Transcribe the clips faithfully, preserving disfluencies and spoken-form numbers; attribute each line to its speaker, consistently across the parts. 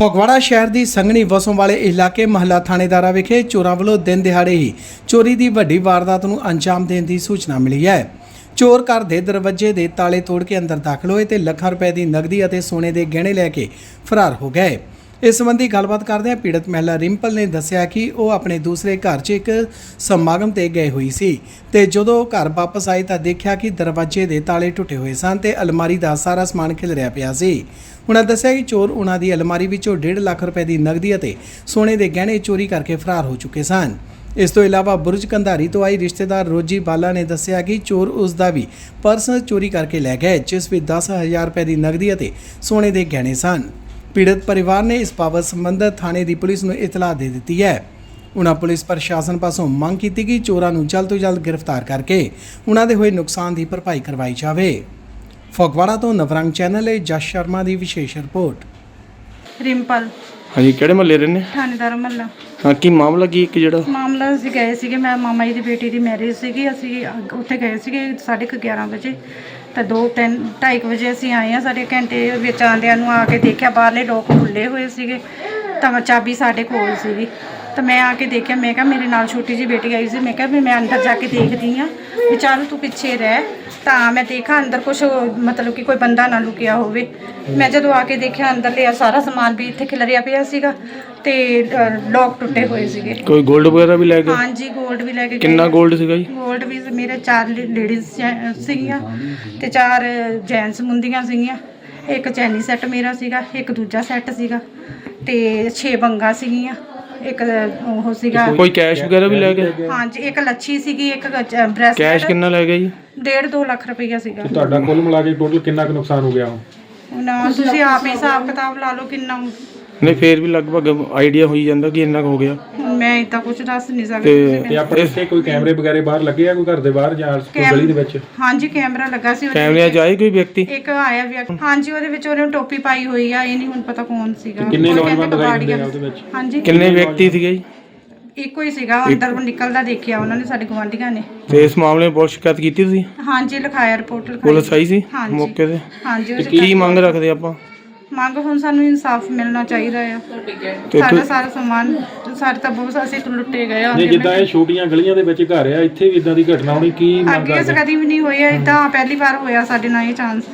Speaker 1: ਫਗਵਾੜਾ ਸ਼ਹਿਰ ਦੀ ਸੰਘਣੀ ਵਸੋਂ ਵਾਲੇ ਇਲਾਕੇ ਮਹੱਲਾ ਥਾਣੇਦਾਰਾ ਵਿਖੇ ਚੋਰਾਂ ਵੱਲੋਂ ਦਿਨ ਦਿਹਾੜੇ ਹੀ ਚੋਰੀ ਦੀ ਵੱਡੀ ਵਾਰਦਾਤ ਨੂੰ ਅੰਜਾਮ ਦੇਣ ਦੀ ਸੂਚਨਾ ਮਿਲੀ ਹੈ। ਚੋਰ ਘਰ ਦੇ ਦਰਵਾਜ਼ੇ ਦੇ ਤਾਲੇ ਤੋੜ ਕੇ ਅੰਦਰ ਦਾਖਲ ਹੋਏ ਤੇ ਲੱਖਾਂ ਰੁਪਏ ਦੀ ਨਕਦੀ ਅਤੇ ਸੋਨੇ ਦੇ ਗਹਿਣੇ ਲੈ ਕੇ ਫਰਾਰ ਹੋ ਗਏ। ਇਸ ਸੰਬੰਧੀ ਗੱਲਬਾਤ ਕਰਦਿਆਂ ਪੀੜਤ ਮਹਿਲਾ ਰਿੰਪਲ ਨੇ ਦੱਸਿਆ ਕਿ ਉਹ ਆਪਣੇ ਦੂਸਰੇ ਘਰ 'ਚ ਇੱਕ ਸਮਾਗਮ ਤੇ ਗਏ ਹੋਈ ਸੀ ਤੇ ਜਦੋਂ ਉਹ ਘਰ ਵਾਪਸ ਆਈ ਤਾਂ ਦੇਖਿਆ ਕਿ ਦਰਵਾਜ਼ੇ ਦੇ ਤਾਲੇ ਟੁੱਟੇ ਹੋਏ ਸਨ ਤੇ ਅਲਮਾਰੀ ਦਾ ਸਾਰਾ ਸਮਾਨ ਖਿਲਰਿਆ ਪਿਆ ਸੀ। ਉਹਨਾਂ ਦੱਸਿਆ ਕਿ ਚੋਰ ਉਹਨਾਂ ਦੀ ਅਲਮਾਰੀ ਵਿੱਚੋਂ ਡੇਢ ਲੱਖ ਰੁਪਏ ਦੀ ਨਕਦੀ ਅਤੇ ਸੋਨੇ ਦੇ ਗਹਿਣੇ ਚੋਰੀ ਕਰਕੇ ਫਰਾਰ ਹੋ ਚੁੱਕੇ ਸਨ। ਇਸ ਤੋਂ ਇਲਾਵਾ ਬੁਰਜ ਕੰਧਾਰੀ ਤੋਂ ਆਈ ਰਿਸ਼ਤੇਦਾਰ ਰੋਜੀ ਬਾਲਾ ਨੇ ਦੱਸਿਆ ਕਿ ਚੋਰ ਉਸ ਦਾ ਵੀ ਪਰਸ ਚੋਰੀ ਕਰਕੇ ਲੈ ਗਏ, ਜਿਸ ਵਿੱਚ ਦਸ ਹਜ਼ਾਰ ਰੁਪਏ ਦੀ ਨਕਦੀ ਅਤੇ ਸੋਨੇ ਦੇ ਗਹਿਣੇ ਸਨ। ਪੀੜਤ ਪਰਿਵਾਰ ਨੇ ਇਸ ਬਾਬਤ ਸੰਬੰਧਿਤ ਥਾਣੇ ਦੀ ਪੁਲਿਸ ਨੂੰ ਇਤਲਾਹ ਦੇ ਦਿੱਤੀ ਹੈ। ਉਹਨਾਂ ਪੁਲਿਸ ਪ੍ਰਸ਼ਾਸਨ ਪਾਸੋਂ ਮੰਗ ਕੀਤੀ ਕਿ ਚੋਰਾਂ ਨੂੰ ਜਲਦ ਤੋਂ ਜਲਦ ਗ੍ਰਿਫਤਾਰ ਕਰਕੇ ਉਹਨਾਂ ਦੇ ਹੋਏ ਨੁਕਸਾਨ ਦੀ ਭਰਪਾਈ ਕਰਵਾਈ ਜਾਵੇ। ਫਗਵਾੜਾ ਤੋਂ ਨਵਰੰਗ ਚੈਨਲ ਲਈ ਜਸ ਸ਼ਰਮਾ ਦੀ ਵਿਸ਼ੇਸ਼ ਰਿਪੋਰਟ।
Speaker 2: ਰਿੰਪਲ
Speaker 3: हाँ जी, केड़े महल्ले रहने?
Speaker 2: ਥਾਣੇਦਾਰ ਮਹੱਲਾ।
Speaker 3: हाँ की मामला की एक जड़ा
Speaker 2: ਮਾਮਲਾ ਅਸੀਂ ਗਏ ਸੀਗੇ, ਮੈਂ ਮਾਮਾ ਜੀ ਦੀ ਬੇਟੀ ਦੀ ਮੈਰਿਜ ਸੀਗੀ, ਅਸੀਂ ਅੱਗ- ਉੱਥੇ ਗਏ ਸੀਗੇ ਸਾਢੇ ਕੁ ਗਿਆਰਾਂ ਵਜੇ ਤਾਂ ਦੋ ਤਿੰਨ ਢਾਈ ਕੁ ਵਜੇ ਅਸੀਂ ਆਏ ਹਾਂ। ਸਾਡੇ ਘੰਟੇ ਵਿੱਚ ਆਉਂਦਿਆਂ ਨੂੰ ਆ ਕੇ ਦੇਖਿਆ ਬਾਹਰਲੇ ਲੋਕ ਖੁੱਲ੍ਹੇ ਹੋਏ ਸੀਗੇ ਤਾਂ ਚਾਬੀ ਸਾਡੇ ਕੋਲ ਸੀਗੀ ਤਾਂ ਮੈਂ ਆ ਕੇ ਦੇਖਿਆ। ਮੈਂ ਕਿਹਾ ਮੇਰੇ ਨਾਲ ਛੋਟੀ ਜਿਹੀ ਬੇਟੀ ਆਈ ਸੀ, ਮੈਂ ਕਿਹਾ ਵੀ ਮੈਂ ਅੰਦਰ ਜਾ ਕੇ ਦੇਖਦੀ ਹਾਂ ਵੀ ਚੱਲ ਤੂੰ ਪਿੱਛੇ ਰਹਿ। ਤਾਂ ਮੈਂ ਦੇਖਾ ਅੰਦਰ ਕੁਛ ਮਤਲਬ ਕਿ ਕੋਈ ਬੰਦਾ ਨਾ ਲੁਕਿਆ ਹੋਵੇ। ਮੈਂ ਜਦੋਂ ਆ ਕੇ ਦੇਖਿਆ ਅੰਦਰ ਲਿਆ ਸਾਰਾ ਸਮਾਨ ਵੀ ਇੱਥੇ ਖਿਲਰਿਆ ਪਿਆ ਸੀਗਾ ਤੇ ਲੋਕ ਟੁੱਟੇ ਹੋਏ ਸੀਗੇ।
Speaker 3: कोई गोल्ड वगैरह भी ले गए?
Speaker 2: हाँ जी, गोल्ड भी लेके
Speaker 3: कितना गोल्ड सीगा जी?
Speaker 2: गोल्ड भी मेरे चार लेडीज ਸੀਗੀਆਂ ਤੇ ਚਾਰ ਜੈਂਟਸ ਮੁੰਦੀਆਂ ਸੀਗੀਆਂ। ਇੱਕ ਚੈਨੀ ਸੈੱਟ ਮੇਰਾ ਸੀਗਾ, ਇੱਕ ਦੂਜਾ ਸੈੱਟ ਸੀਗਾ ਤੇ ਛੇ ਬੰਗਾ ਸੀਗੀਆਂ, ਇੱਕ ਉਹ ਸੀਗਾ।
Speaker 3: कोई कैश वगैरह भी ले गए?
Speaker 2: हाँ जी, ਇੱਕ ਲੱਛੀ ਸੀਗੀ, ਇੱਕ ਬ੍ਰੈਸਲੈਟ।
Speaker 3: कैश कितना ले गए जी?
Speaker 2: ਡੇਢ ਦੋ ਲੱਖ ਰੁਪਈਆ ਸੀਗਾ।
Speaker 4: ਤੁਹਾਡਾ ਕੁੱਲ ਮਿਲਾ ਕੇ ਟੋਟਲ ਕਿੰਨਾ ਕੁ ਨੁਕਸਾਨ ਹੋ ਗਿਆ?
Speaker 2: ਨਾ ਤੁਸੀਂ ਆਪ ਹੀ ਹਿਸਾਬ ਕਿਤਾਬ ਲਾ ਲਓ ਕਿੰਨਾ।
Speaker 3: नहीं फिर भी लगभग आइडिया हो ही जाता कि इन्ना हो गया।
Speaker 2: ਮੈਂ ਇਦਾਂ ਕੁਝ ਦੱਸ ਨਹੀਂ
Speaker 3: ਤੇ
Speaker 2: ਸਕਦੀ।
Speaker 4: ਤੇ ਆਪਣੇ ਇੱਥੇ ਕੋਈ ਕੈਮਰੇ ਵਗੈਰੇ ਬਾਹਰ ਲੱਗੇ ਆ ਕੋਈ ਘਰ ਦੇ ਬਾਹਰ ਜਾਂ ਕੋਈ ਗਲੀ ਦੇ ਵਿੱਚ?
Speaker 2: ਹਾਂਜੀ, ਕੈਮਰਾ ਲੱਗਾ ਸੀ ਉਹਦੇ
Speaker 3: कैमरे
Speaker 2: ਵਿੱਚ।
Speaker 3: च आए कोई व्यक्ति?
Speaker 2: ਇੱਕ ਆਇਆ ਵਿਅਕਤੀ, ਹਾਂਜੀ, ਉਹਦੇ ਵਿੱਚ ਉਹਨੇ ਟੋਪੀ ਪਾਈ ਹੋਈ ਆ, ਇਹ ਨਹੀਂ ਹੁਣ ਪਤਾ ਕੌਣ ਸੀਗਾ।
Speaker 4: ਕਿੰਨੇ
Speaker 2: ਉਹ
Speaker 4: ਨੌਜਵਾਨ
Speaker 2: ਕਹਿੰਦੇ
Speaker 4: ਦਿਖਾਈ ਦਿੰਦੇ ਆ
Speaker 2: ਕਬਾੜੀਆ।
Speaker 4: ਉਹਦੇ ਵਿੱਚ?
Speaker 2: ਹਾਂਜੀ,
Speaker 3: किन्ने व्यक्ति थे जी?
Speaker 2: ਇੱਕੋ ਹੀ ਸੀਗਾ। ਅੰਦਰ ਨਿਕਲਦਾ ਦੇਖਿਆ ਉਹਨਾਂ ਨੇ, ਸਾਡੇ ਗੁਆਂਢੀਆਂ ਨੇ।
Speaker 3: ਤੇ ਇਸ ਮਾਮਲੇ ਵਿੱਚ ਪੁਲਿਸ ਸ਼ਿਕਾਇਤ ਕੀਤੀ ਤੁਸੀਂ?
Speaker 2: ਹਾਂਜੀ, ਲਿਖਾਇਆ, ਰਿਪੋਰਟ ਲਿਖਾਈ।
Speaker 3: ਪੁਲਿਸ ਆਈ ਸੀ
Speaker 2: ਹਾਂਜੀ।
Speaker 3: ਮੌਕੇ ਤੇ?
Speaker 2: ਹਾਂਜੀ, ਉਹ
Speaker 3: ਕੀ ਮੰਗ ਰੱਖਦੇ ਆਪਾਂ?
Speaker 2: ਮੰਗ ਹੁਣ ਸਾਨੂੰ ਇਨਸਾਫ ਮਿਲਣਾ ਚਾਹੀਦਾ ਆ।
Speaker 3: ਤੇ
Speaker 2: ਸਾਡਾ
Speaker 3: ਤੁ-
Speaker 2: ਸਾਰਾ ਸਮਾਨ ਸਾਡੇ ਤਾਂ ਬਹੁਤ ਅਸੀਂ ਤਾਂ ਲੁੱਟੇ ਗਏ ਆ।
Speaker 4: ਨਹੀਂ, ਜਿੱਦਾਂ ਇਹ ਛੋਟੀਆਂ ਗਲੀਆਂ ਦੇ ਵਿੱਚ ਘਰ ਆ, ਇੱਥੇ ਵੀ ਇਦਾਂ ਦੀ ਘਟਨਾ ਹੋਣੀ ਕੀ ਮੰਗ
Speaker 2: ਅੱਗੇ
Speaker 4: ਕਰਦੇ?
Speaker 2: ਕਦੀ ਵੀ ਨਹੀਂ ਹੋਇਆ ਇਦਾਂ, ਪਹਿਲੀ ਵਾਰ ਹੋਇਆ ਸਾਡੇ ਨਾਲ ਇਹ ਚਾਂਸ।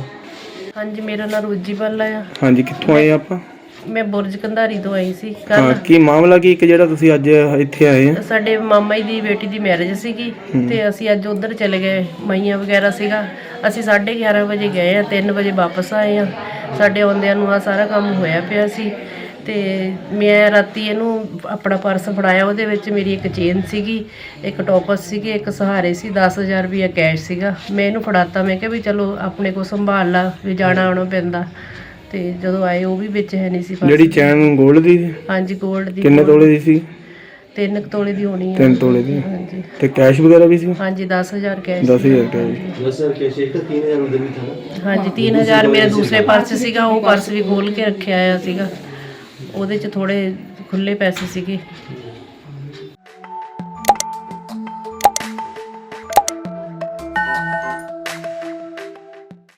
Speaker 5: ਹਾਂਜੀ, ਮੇਰਾ ਨਾਮ ਰੋਜੀ ਬਾਲਾ ਆ।
Speaker 3: ਹਾਂਜੀ, ਕਿੱਥੋਂ ਆਏ ਆਪਾਂ?
Speaker 5: ਮੈਂ ਬੁਰਜ ਕੰਧਾਰੀ ਤੋਂ ਆਈ ਸੀ
Speaker 3: ਹਾਂ,
Speaker 5: ਕੱਲ।
Speaker 3: ਕੀ ਮਾਮਲਾ ਕੀ ਇੱਕ ਜਿਹੜਾ ਤੁਸੀਂ ਅੱਜ ਇੱਥੇ ਆਏ ਆ?
Speaker 5: ਸਾਡੇ ਮਾਮਾ ਜੀ ਦੀ ਬੇਟੀ ਦੀ ਮੈਰਿਜ ਸੀਗੀ ਤੇ ਅਸੀਂ ਅੱਜ ਉਧਰ ਚਲੇ ਗਏ। ਮਈਆਂ ਵਗੈਰਾ ਸੀਗਾ, ਅਸੀਂ ਸਾਢੇ ਗਿਆਰਾਂ ਵਜੇ ਗਏ ਆ, ਤਿੰਨ ਵਜੇ ਵਾਪਸ ਆਏ ਆ। ਸਾਡੇ ਆਉਂਦਿਆਂ ਨੂੰ ਆ ਸਾਰਾ ਕੰਮ ਹੋਇਆ ਪਿਆ ਸੀ ਤੇ ਮੈਂ ਰਾਤੀ ਇਹਨੂੰ ਆਪਣਾ ਪਰਸ ਫੜਾਇਆ, ਉਹਦੇ ਵਿੱਚ ਮੇਰੀ ਇੱਕ ਚੇਨ ਸੀਗੀ, ਇੱਕ ਟੋਪਸ ਸੀਗੇ, ਇੱਕ ਸਹਾਰੇ ਸੀ, ਦਸ ਹਜ਼ਾਰ ਰੁਪਈਆ ਕੈਸ਼ ਸੀਗਾ। ਮੈਂ ਇਹਨੂੰ ਫੜਾਤਾ, ਮੈਂ ਕਿਹਾ ਵੀ ਚਲੋ ਆਪਣੇ ਕੋਲ ਸੰਭਾਲ ਲਾ, ਵੀ ਜਾਣਾ ਆਉਣਾ ਪੈਂਦਾ। ਤੇ ਜਦੋਂ ਆਏ ਉਹ ਵੀ ਵਿੱਚ ਹੈ ਨਹੀਂ ਸੀ ਪਰਸ।
Speaker 3: ਜਿਹੜੀ ਚੈਨ ਗੋਲਡ ਦੀ ਸੀ?
Speaker 5: ਹਾਂਜੀ, ਗੋਲਡ ਦੀ।
Speaker 3: ਕਿੰਨੇ ਤੋਲੇ ਦੀ ਸੀ?
Speaker 5: ਤਿੰਨ ਕੁ ਤੋਲੇ ਦੀ ਹੋਣੀ ਹੈ।
Speaker 3: ਤਿੰਨ ਤੋਲੇ ਦੀ।
Speaker 5: ਹਾਂਜੀ
Speaker 3: ਤੇ ਕੈਸ਼ ਵਗੈਰਾ ਵੀ ਸੀ?
Speaker 5: ਹਾਂਜੀ, ਦਸ ਹਜ਼ਾਰ ਕੈਸ਼।
Speaker 3: ਦਸ ਹਜ਼ਾਰ ਕੈਸ਼।
Speaker 5: ਹਾਂਜੀ, तीन हज़ार मेरा दूसरे पर्स ਸੀਗਾ, ਉਹ ਪਰਸ ਵੀ ਖੋਲ ਕੇ ਰੱਖਿਆ ਆ ਸੀਗਾ। ਉਹਦੇ ਚ ਥੋੜੇ ਖੁੱਲੇ ਪੈਸੇ ਸੀਗੇ।